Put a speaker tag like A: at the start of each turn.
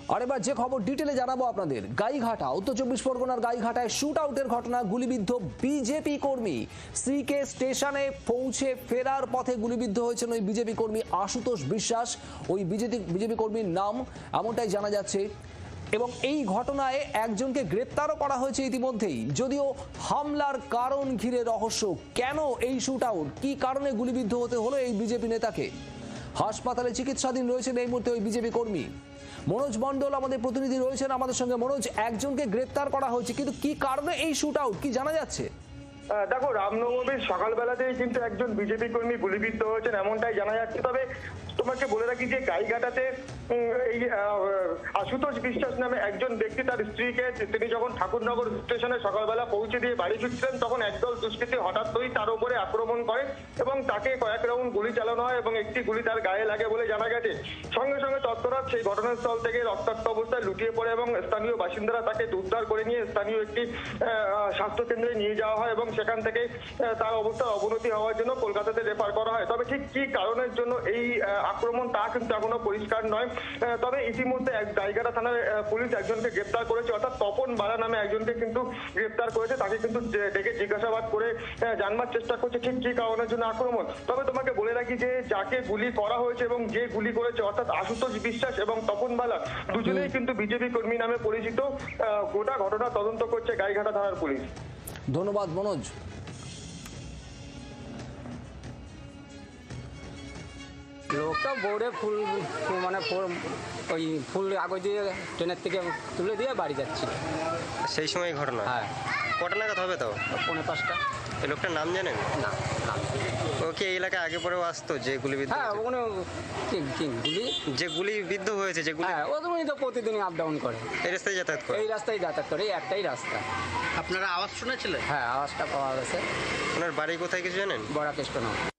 A: আর এবার যে খবর ডিটেলে জানাবো আপনাদের, গাইঘাটা, উত্তর চব্বিশ পরগনার গাইঘাটায় শুট আউটের ঘটনা, গুলিবিদ্ধ বিজেপি কর্মী। সিকে স্টেশনে পৌঁছে ফেরার পথে গুলিবিদ্ধ হয়েছেন ওই বিজেপি কর্মী আশুতোষ বিশ্বাস। ওই বিজেপি কর্মীর নাম এমনটাই জানা যাচ্ছে এবং এই ঘটনায় একজনকে গ্রেপ্তারও করা হয়েছে ইতিমধ্যেই। যদিও হামলার কারণ ঘিরে রহস্য, কেন এই শুট আউট, কি কারণে গুলিবিদ্ধ হতে হলো এই বিজেপি নেতাকে। হাসপাতালে চিকিৎসাধীন রয়েছেন এই মুহূর্তে ওই বিজেপি কর্মী। মনোজ মণ্ডল আমাদের প্রতিনিধি রয়েছেন আমাদের সঙ্গে। মনোজ, একজনকে গ্রেপ্তার করা হয়েছে, কিন্তু কি কারণে এই শুট আউট, কি জানা যাচ্ছে?
B: দেখো, রামনবমীর সকালবেলাতেই কিন্তু একজন বিজেপি কর্মী গুলিবিদ্ধ হয়েছেন এমনটাই জানা যাচ্ছে। তবে তোমাকে বলে রাখি যে গাইঘাটাতে এই আশুতোষ বিশ্বাস নামে একজন ব্যক্তি তার স্ত্রীকে, তিনি যখন ঠাকুরনগর স্টেশনে সকালবেলা পৌঁছে দিয়ে বাড়ি ফিরছিলেন, তখন একদল দুষ্কৃতী হঠাৎই তার উপরে আক্রমণ করে এবং তাকে কয়েক রাউন্ড গুলি চালানো হয় এবং একটি গুলি তার গায়ে লাগে বলে জানা গেছে। সঙ্গে সঙ্গে তৎপরত সেই ঘটনাস্থল থেকে রক্তাক্ত অবস্থায় লুটিয়ে পড়ে এবং স্থানীয় বাসিন্দারা তাকে উদ্ধার করে নিয়ে স্থানীয় একটি স্বাস্থ্যকেন্দ্রে নিয়ে যাওয়া হয় এবং সেখান থেকে তার অবস্থার অবনতি হওয়ার জন্য কলকাতাতে রেফার করা হয়। তবে ঠিক কি কারণের জন্য এই আক্রমণ তা কিন্তু এখনো পরিষ্কার নয়। তবে ইতিমধ্যে গাইঘাটা থানার পুলিশ একজনকে গ্রেপ্তার করেছে, অর্থাৎ তপন বালা নামে একজনকে কিন্তু গ্রেপ্তার করেছে। তাকে কিন্তু ডেকে জিজ্ঞাসাবাদ করে জানবার চেষ্টা করছে ঠিক কি কারণের জন্য আক্রমণ। তবে তোমাকে বলে রাখি যে যাকে গুলি করা হয়েছে এবং যে গুলি করেছে, অর্থাৎ আশুতোষ বিশ্বাস এবং তপন বালা, দুজনেই কিন্তু বিজেপি কর্মী নামে পরিচিত। গোটা ঘটনা তদন্ত করছে গাইঘাটা থানার পুলিশ।
A: ধন্যবাদ মনোজ।
C: লোকটা বোর্ডে ফুল মানে ওই ফুল কাগজ দিয়ে ট্রেনের থেকে তুলে দিয়ে বাড়ি যাচ্ছিল।
D: সেই সময় ঘটনা?
C: হ্যাঁ।
D: কটা নাগাদ হবে তাও?
C: 4:45।
D: এই লোকটার নাম জানেন?
C: না না।
D: ওকে এই এলাকায় আগে পরেও আসতো যে গুলিবিদ্ধ?
C: হ্যাঁ, ওখানে গুলি
D: যে গুলিবিদ্ধ হয়েছে, যে গুলি,
C: হ্যাঁ, ওখানে তো প্রতিদিনই আপ ডাউন করে।
D: এই রাস্তায় যাতায়াত করে?
C: এই রাস্তায় যাতায়াত করে, এই একটাই রাস্তা।
E: আপনারা আওয়াজ শুনেছিলেন?
C: হ্যাঁ, আওয়াজটা পাওয়া গেছে।
D: ওনার বাড়ি কোথায় কিছু জানেন?
C: বড়া কৃষ্ণ।